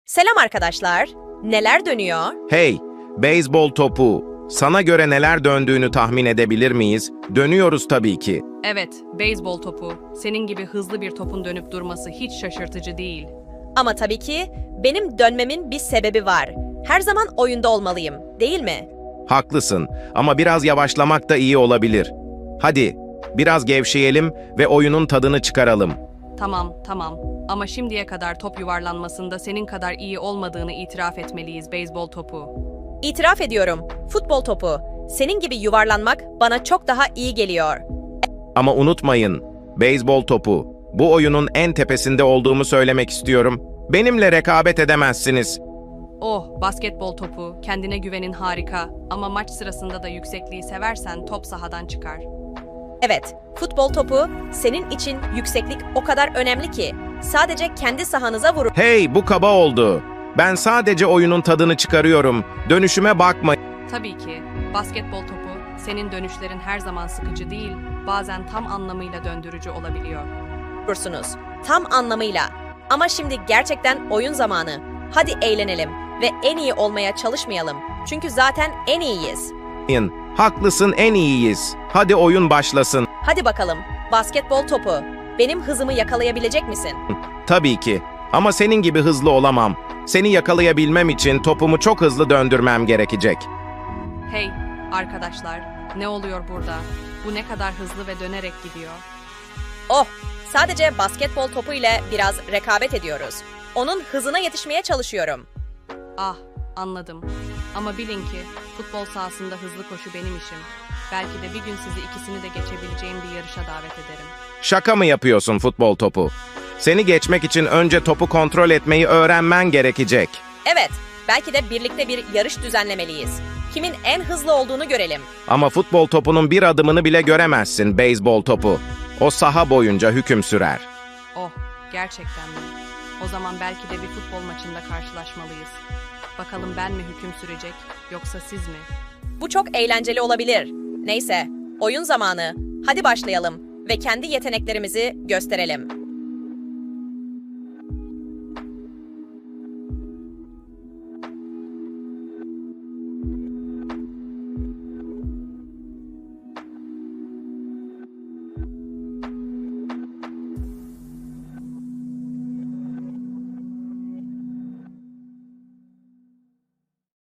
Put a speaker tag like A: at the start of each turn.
A: Selam arkadaşlar. Neler dönüyor?
B: Hey, beyzbol topu. Sana göre neler döndüğünü tahmin edebilir miyiz? Dönüyoruz tabii ki.
C: Evet, beyzbol topu. Senin gibi hızlı bir topun dönüp durması hiç şaşırtıcı değil.
A: Ama tabii ki benim dönmemin bir sebebi var. Her zaman oyunda olmalıyım, değil mi?
B: Haklısın ama biraz yavaşlamak da iyi olabilir. Hadi, biraz gevşeyelim ve oyunun tadını çıkaralım.
C: Tamam. Ama şimdiye kadar top yuvarlanmasında senin kadar iyi olmadığını itiraf etmeliyiz beyzbol topu.
A: İtiraf ediyorum. Futbol topu. Senin gibi yuvarlanmak bana çok daha iyi geliyor.
B: Ama unutmayın, beyzbol topu. Bu oyunun en tepesinde olduğumu söylemek istiyorum. Benimle rekabet edemezsiniz.
C: Oh, basketbol topu. Kendine güvenin harika. Ama maç sırasında da yüksekliği seversen top sahadan çıkar.
A: Evet, futbol topu senin için yükseklik o kadar önemli ki sadece kendi sahanıza vurun.
B: Hey, bu kaba oldu. Ben sadece oyunun tadını çıkarıyorum. Dönüşüme bakma.
C: Tabii ki. Basketbol topu, senin dönüşlerin her zaman sıkıcı değil, bazen tam anlamıyla döndürücü olabiliyor.
A: Vurursunuz. Tam anlamıyla. Ama şimdi gerçekten oyun zamanı. Hadi eğlenelim ve en iyi olmaya çalışmayalım. Çünkü zaten en iyiyiz.
B: Haklısın, en iyiyiz. Hadi oyun başlasın.
A: Hadi bakalım. Basketbol topu. Benim hızımı yakalayabilecek misin?
B: Tabii ki. Ama senin gibi hızlı olamam. Seni yakalayabilmem için topumu çok hızlı döndürmem gerekecek.
C: Hey, arkadaşlar, ne oluyor burada? Bu ne kadar hızlı ve dönerek gidiyor.
A: Oh, sadece basketbol topu ile biraz rekabet ediyoruz. Onun hızına yetişmeye çalışıyorum.
C: Ah, anladım. Ama bilin ki futbol sahasında hızlı koşu benim işim. Belki de bir gün sizi ikisini de geçebileceğim bir yarışa davet ederim.
B: Şaka mı yapıyorsun futbol topu? Seni geçmek için önce topu kontrol etmeyi öğrenmen gerekecek.
A: Evet, belki de birlikte bir yarış düzenlemeliyiz. Kimin en hızlı olduğunu görelim.
B: Ama futbol topunun bir adımını bile göremezsin beyzbol topu. O saha boyunca hüküm sürer.
C: Oh, gerçekten mi? O zaman belki de bir futbol maçında karşılaşmalıyız. Bakalım ben mi hüküm sürecek, yoksa siz mi?
A: Bu çok eğlenceli olabilir. Neyse, oyun zamanı. Hadi başlayalım ve kendi yeteneklerimizi gösterelim.